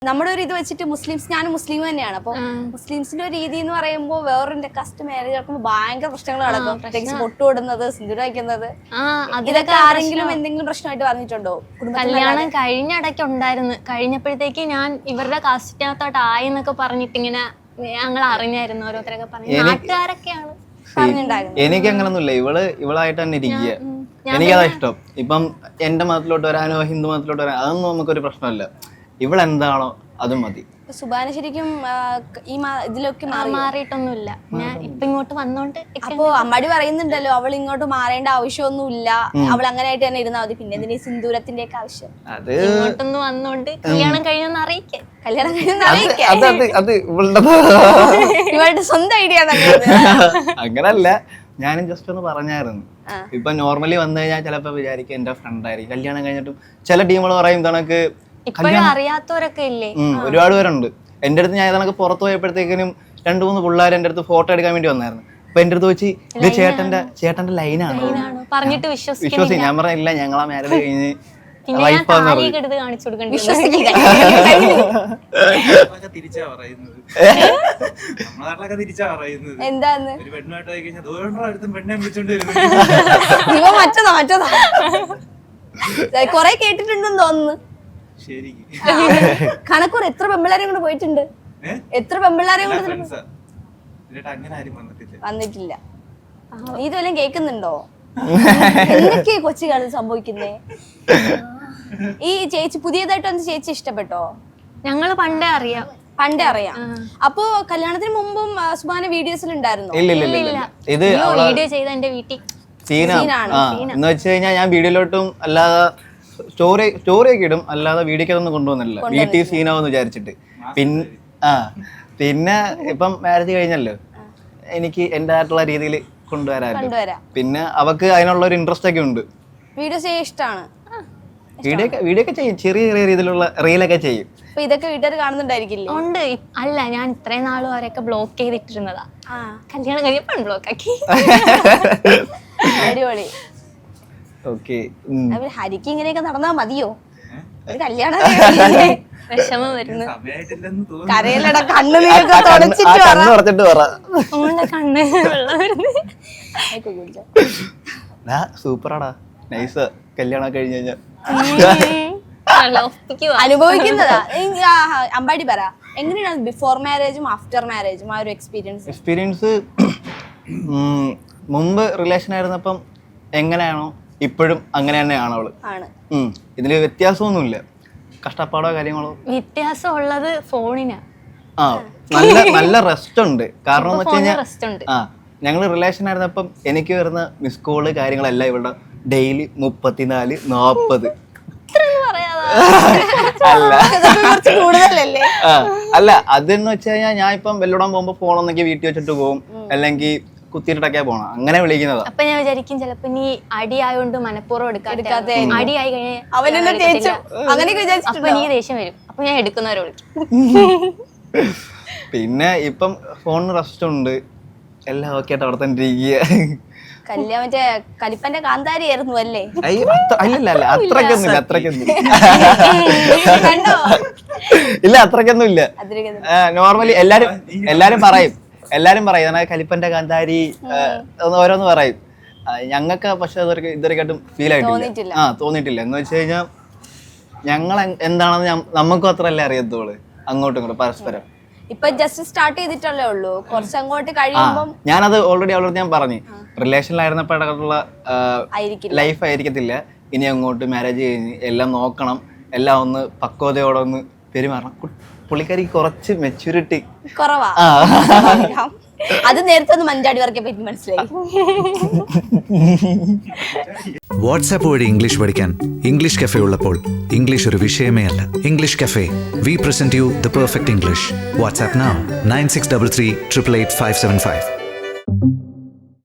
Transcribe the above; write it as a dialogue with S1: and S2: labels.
S1: നമ്മുടെ ഒരു ഇത് വെച്ചിട്ട് ഞാനും മുസ്ലിം തന്നെയാണ്. അപ്പൊ മുസ്ലിംസിന്റെ ഒരു രീതി എന്ന് പറയുമ്പോൾ വേറൊരു കാസ്റ്റ് മാരേജ് നടക്കുമ്പോൾ ഭയങ്കര പ്രശ്നങ്ങൾ നടക്കും. പ്രത്യേകിച്ച് പൊട്ടുവിടുന്നത്, സിന്ദൂരം വയ്ക്കുന്നത്, ഇതൊക്കെ ആരെങ്കിലും എന്തെങ്കിലും പ്രശ്നമായിട്ട് പറഞ്ഞിട്ടുണ്ടോ?
S2: കല്യാണം കഴിഞ്ഞിടയ്ക്ക് ഉണ്ടായിരുന്നു. കഴിഞ്ഞപ്പോഴത്തേക്ക് ഞാൻ ഇവരുടെ കാസ്റ്റിനകത്തോട്ട് ആയി എന്നൊക്കെ പറഞ്ഞിട്ട് ഇങ്ങനെ ഞങ്ങൾ അറിഞ്ഞായിരുന്നു. ഓരോരുത്തരൊക്കെ പറഞ്ഞു, നാട്ടുകാരൊക്കെയാണ് പറഞ്ഞിട്ടുണ്ടായിരുന്നത്.
S3: എനിക്ക് അങ്ങനൊന്നുമില്ല. ഇവളായിട്ട് തന്നെ ഇരിക്കുക. എനിക്കതാ ഇഷ്ടം. ഇപ്പം എന്റെ മതത്തിലോട്ട് വരാനോ ഹിന്ദു മതത്തിലോട്ട് വരാനോ അതൊന്നും നമുക്കൊരു പ്രശ്നമല്ല. ഇവളെന്താണോ അത് മതി.
S1: സുബാന ശരിക്കും ഈ ഇതിലൊക്കെ
S2: മാറിയിട്ടൊന്നുമില്ല. ഞാൻ ഇപ്പൊ ഇങ്ങോട്ട് വന്നോണ്ട്
S1: അപ്പൊ അമ്മാടി പറയുന്നുണ്ടല്ലോ അവൾ ഇങ്ങോട്ട് മാറേണ്ട ആവശ്യമൊന്നുമില്ല, അവൾ അങ്ങനെ ആയിട്ട് തന്നെ ഇരുന്നാ മതി, പിന്നെ എന്തിനാ സിന്ദൂരത്തിന്റെ ഒക്കെ ആവശ്യം?
S3: അത്
S2: ഇങ്ങോട്ടൊന്ന് വന്നോണ്ട് കല്യാണം കഴിഞ്ഞെന്ന് അറിയിക്കേ.
S1: കല്യാണം കഴിഞ്ഞെന്ന് അറിയിക്കേ. ഇവളുടെ സ്വന്തം ഐഡിയ
S3: അങ്ങനല്ല, ഞാനും ജസ്റ്റ് ഒന്ന് പറഞ്ഞായിരുന്നു. ഇപ്പൊ നോർമലി വന്നു കഴിഞ്ഞാൽ ചിലപ്പോ വിചാരിക്കും എന്റെ ഫ്രണ്ട് ആയിരിക്കും. കല്യാണം കഴിഞ്ഞിട്ടും ചില ടീമുകൾ പറയും തണക്ക്
S2: ഇപ്പോഴും അറിയാത്തവരൊക്കെ ഇല്ലേ,
S3: ഒരുപാട് പേരുണ്ട്. എന്റെ അടുത്ത് ഞാൻ ഇതണക്ക് പുറത്ത് പോയപ്പോഴത്തേക്കിനും 2-3 പിള്ളേർ എന്റെ അടുത്ത് ഫോട്ടോ എടുക്കാൻ വേണ്ടി വന്നായിരുന്നു. അപ്പൊ എന്റെ അടുത്ത് വെച്ച് ഇത് ചേട്ടന്റെ ലൈനാണോ
S2: പറഞ്ഞിട്ട്
S3: വിശ്വസിക്കും. ഞാൻ പറഞ്ഞില്ല, ഞങ്ങളാ മാരേജ് കഴിഞ്ഞ്
S1: എന്താന്ന് കൊറേ കേട്ടിട്ടുണ്ടെന്ന് തോന്നുന്നു. കണക്കൂർ എത്ര പെമ്പിള്ളാരെയും കൊണ്ട് പോയിട്ടുണ്ട്? എത്ര പെമ്പിള്ളാരെയും കൊണ്ട് വന്നിട്ടില്ല. നീ ഇതുവല്ലം കേൾക്കുന്നുണ്ടോ? എന്തൊക്കെയാ കൊച്ചു കാലം സംഭവിക്കുന്നേ? ഈ ചേച്ചി പുതിയതായിട്ട് വന്ന് ചേച്ചി ഇഷ്ടപ്പെട്ടോ?
S2: ഞങ്ങള് പണ്ടേ അറിയാം.
S1: അപ്പൊ കല്യാണത്തിന് മുമ്പും സുബാന വീഡിയോസിൽ ഉണ്ടായിരുന്നു?
S3: ഇത്
S2: വീഡിയോ ചെയ്ത എന്റെ വീട്ടിൽ
S3: എന്ന് വെച്ച് കഴിഞ്ഞാൽ ഞാൻ വീഡിയോയിലോട്ടും അല്ലാതെ സ്റ്റോറി ഒക്കെ ഇടും, അല്ലാതെ വീഡിയോക്ക് അതൊന്നും കൊണ്ടുവന്നില്ല. വീട്ടിൽ സീനാവെന്ന് വിചാരിച്ചിട്ട്. പിന്നെ ഇപ്പം മാരേജ് കഴിഞ്ഞല്ലോ, എനിക്ക് എൻ്റെ ആയിട്ടുള്ള രീതിയിൽ കൊണ്ടുവരാം. പിന്നെ അവക്ക് അതിനുള്ള ഒരു ഇൻട്രസ്റ്റ് ഒക്കെ ഉണ്ട്.
S1: വീഡിയോസ് ചെയ്യാൻ ഇഷ്ടമാണ്.
S3: വീഡിയോ ഒക്കെ ചെയ്യും, ചെറിയ രീതിയിലുള്ള റീലൊക്കെ ചെയ്യും.
S1: ഇതൊക്കെ വീട്ടുകാർ കാണുന്നുണ്ടായിരിക്കില്ലേ?
S2: ഉണ്ട്. അല്ല, ഞാൻ ഇത്രയും നാളും അവരൊക്കെ ബ്ലോക്ക് ചെയ്തിട്ടിരുന്നതാ. കല്യാണം കഴിഞ്ഞപ്പോ ബ്ലോക്ക് ആക്കി.
S1: അടിപൊളി. ഹരിക്ക് ഇങ്ങനെയൊക്കെ നടന്നാ മതിയോ? ഒരു കല്യാണം
S2: വിഷമം വരുന്നു.
S1: കരയിലട കണ്ണ് തുടച്ചിട്ട്
S2: കണ്ണ്
S3: സൂപ്പറാടാ, നൈസ്. കല്യാണം കഴിഞ്ഞ് കഴിഞ്ഞാൽ
S1: അനുഭവിക്കുന്നതാ. അമ്പാടി പറ, എങ്ങനെയാണ് ബിഫോർ മാരേജും ആഫ്റ്റർ മാരേജും ആ ഒരു എക്സ്പീരിയൻസ്?
S3: മുമ്പ് റിലേഷൻ ആയിരുന്നപ്പം എങ്ങനെയാണോ ഇപ്പോഴും അങ്ങനെ തന്നെയാണ് അവള്. ഇതില് വ്യത്യാസമൊന്നുമില്ല, കഷ്ടപ്പാടോ കാര്യങ്ങളോ.
S2: വ്യത്യാസം ഉള്ളത് ഫോണിനാ.
S3: നല്ല റെസ്റ്റ് ഉണ്ട്. കാരണം എന്ന് വെച്ച് കഴിഞ്ഞാൽ ഞങ്ങള് റിലേഷൻ ആയിരുന്നപ്പം എനിക്ക് വരുന്ന മിസ് കോള് കാര്യങ്ങളെല്ലാം ഇവിടെ ഡെയിലി 34-40. അല്ല, അതെന്ന് വെച്ച് കഴിഞ്ഞാൽ ഞാൻ ഇപ്പം വെല്ലോടാൻ പോകുമ്പോ ഫോണൊന്നെങ്കിൽ വീട്ടിൽ വെച്ചിട്ട് പോകും, അല്ലെങ്കിൽ കുത്തിയിട്ടൊക്കെ പോണം, അങ്ങനെ വിളിക്കുന്നതാ.
S2: അപ്പൊ ഞാൻ വിചാരിക്കും ചിലപ്പോ നീ അടിയായോണ്ട് മനഃപൂർവ്വം എടുക്കാതെ അടിയായി കഴിഞ്ഞാൽ നീ ദേഷ്യം വരും. അപ്പൊ ഞാൻ എടുക്കുന്നവരെ വിളിക്കും.
S3: പിന്നെ ഇപ്പം ഫോണിന് റെസ്റ്റ് ഉണ്ട്, എല്ലാം ഓക്കെ ആയിട്ട് അവിടെ തന്നെ ഇരിക്കുക.
S1: കല്യാണം മറ്റേ കലിപ്പന്റെ കാന്താരി ആയിരുന്നു അല്ലേ?
S3: അല്ലല്ല, അത്രക്കൊന്നും ഇല്ല. നോർമലി എല്ലാരും പറയും കലിപ്പന്റെ കാന്താരി ഓരോന്ന് പറയും. ഞങ്ങൾക്ക് പക്ഷെ ഇതുവരെയായിട്ടും ഫീൽ ആയിട്ടില്ല, തോന്നിയിട്ടില്ല. എന്ന് വെച്ച് കഴിഞ്ഞാൽ ഞങ്ങൾ എന്താണെന്ന് നമുക്കും അത്രല്ലേ അറിയത്തുള്ളൂ, അങ്ങോട്ടും ഇങ്ങോട്ടും പരസ്പരം.
S1: ഇപ്പൊ ജസ്റ്റ് സ്റ്റാർട്ട് ചെയ്തിട്ടല്ലേ ഉള്ളൂ, കുറച്ച് അങ്ങോട്ട് കഴിയുമ്പോൾ.
S3: ഞാനത് ഓൾറെഡി അവളോട് ഞാൻ പറഞ്ഞു, റിലേഷനിലായിരുന്നപ്പോഴുള്ള ലൈഫ് ആയിരിക്കത്തില്ല ഇനി അങ്ങോട്ട്. മാരേജ് കഴിഞ്ഞ് എല്ലാം നോക്കണം, എല്ലാം ഒന്ന് പക്വതയോടെ ഒന്ന് പെരുമാറണം. പുള്ളിക്കാരിക്ക് കുറച്ച് മെച്യൂരിറ്റി
S1: കുറവാ. അത് നേരത്തെ ഒന്ന് മഞ്ചാടി വർക്കെ പറ്റി മനസ്സിലായി.
S4: വാട്സാപ്പ് വഴി ഇംഗ്ലീഷ് പഠിക്കാൻ ഇംഗ്ലീഷ് കഫേ ഉള്ളപ്പോൾ ഇംഗ്ലീഷ് ഒരു വിഷയമേ അല്ല. English cafe, we present you the perfect English. WhatsApp now 9633 888 575.